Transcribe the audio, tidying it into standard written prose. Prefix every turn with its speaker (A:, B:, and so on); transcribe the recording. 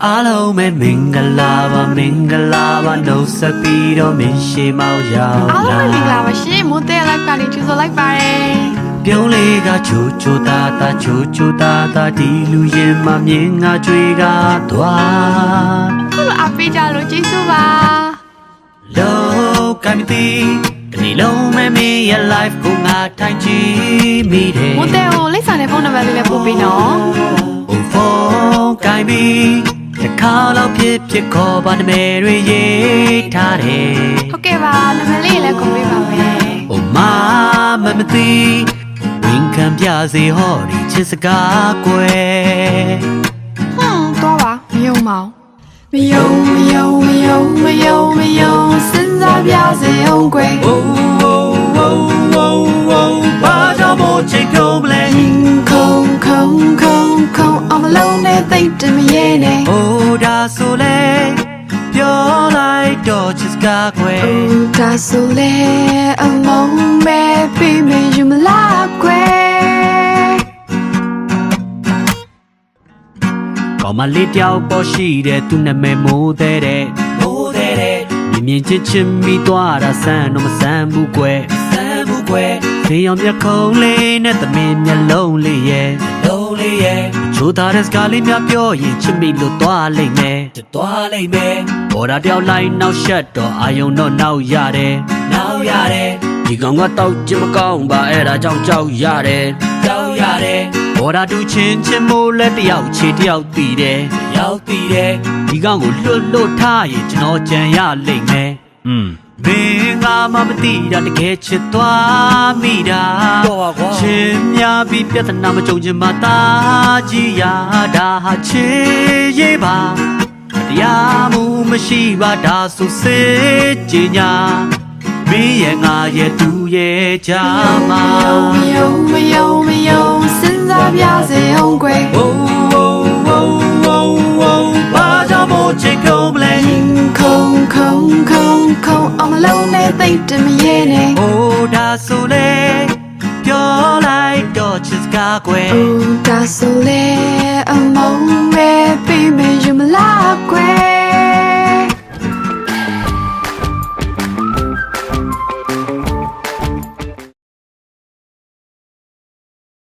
A: အားလုံးပဲမင်္ဂလာပါမင်္ဂလာပါနှုတ်ဆက်ပြီးတော့မင်းရှိမောက်ရောက်
B: အားလုံးပဲမင်္ဂလာပါရှင်မိုးတဲ့လိုက်ပါလေးကျူဆိုလိုက်ပါတယ်
A: ပြုံးလေးကချိုချိုတာတာချိုချိုတာတာဒီလူရင်မမြင်ငါကြွေကသွား
B: ခုလိုအပေးကြလို့ကျေးဇူးပါ
A: လောကမတီဒီလုံးမမေးရဲ့ life ကိုငါထိုင်ကြည့်မိတယ်
B: မိုးတဲ့ကိုလိပ်စာနဲ့ဖုန်းနံပါတ်လေးလည်းပို့ပေးနော်
A: ဖုန်းကိုင်ပြီးတစ်ခါတော့ဖြစ်ခေါ်ပါနမဲတွေရေးထားတယ်
B: ဟုတ်ကဲ့ပါနံပါတ်လေးလည်းကုန်ပေးပါမယ်
A: မမသိဝင်ခံပြစေဟောဒီချစ်စကားကွယ်
B: တော့ပါမယုံပါမယုံစဉ်းစားပြစေအောင်ကွယ်
A: ဘာကြောင့်မို့ချစ်ပြုံးမလဲ
B: ခုံအောင်မလုံးနဲ့သိတယ်မရဲနဲ့
A: အိုးဒါဆိုလေပြောလိုက်တော့ချစ်စကားကွယ်
B: ဒါဆိုလေအမုန်းမဲ့ပြီးမယူမလားကွယ်
A: ကောင်းမလေးတယောက်ပေါ်ရှိတဲ့သူနာမည်မိုးတဲ့မြင်ချစ်မိသွားတာဆန်းတော့မဆန်းဘူးကွယ်ဖေးအောင်မျက်ခုံးလေးနဲ့သမင်မျက်လုံးလေးရဲ့ချိုးသားတဲ့စကားလေးများပြောရင်ချစ်မိလို့သွားလိမ့်မယ်ဘော်ဒါတယောက်လိုက်နောက်ရှက်တော့အာယုံတော့နောက်ရတယ်ဒီကောင်ကတော့ချစ်မကောင်းပါအဲ့ဒါကြောင့်ကြောက်ရတယ်ဘော်ဒါတူချင်းမိုးလဲတယောက်ချေတယောက်တည်တယ်ဒီကောင်ကိုလွတ်ထားရင်ကျွန်တော်ကြံရလိမ့်မယ်မင်းငါမသိတာတကယ်ချစ်သွားမိတာချင်းများပြီးပြဿနာမကြုံချင်မှတာကြည်ရတာဟာချစ်ရေးပါတရားမှုမရှိပါဒါဆိုစစ်ကြညာမင်းရဲ့ငါရဲ့သူရဲ့ကြမှာ
B: မယုံစဉ်းစားပြစေအောင်ကွယ်
A: ဘာကြောင့်မို့ချစ်ပြုံးမလဲ
B: ခုံအောင်မလုံးနဲ့သိတယ်မရဲနဲ့
A: အိုးဒါဆိုလေပြောလိုက်တော့ချစ်စကားကွယ်
B: ဒါဆိုလေအမုန်းမဲ့ပြီးမယူမလားကွယ်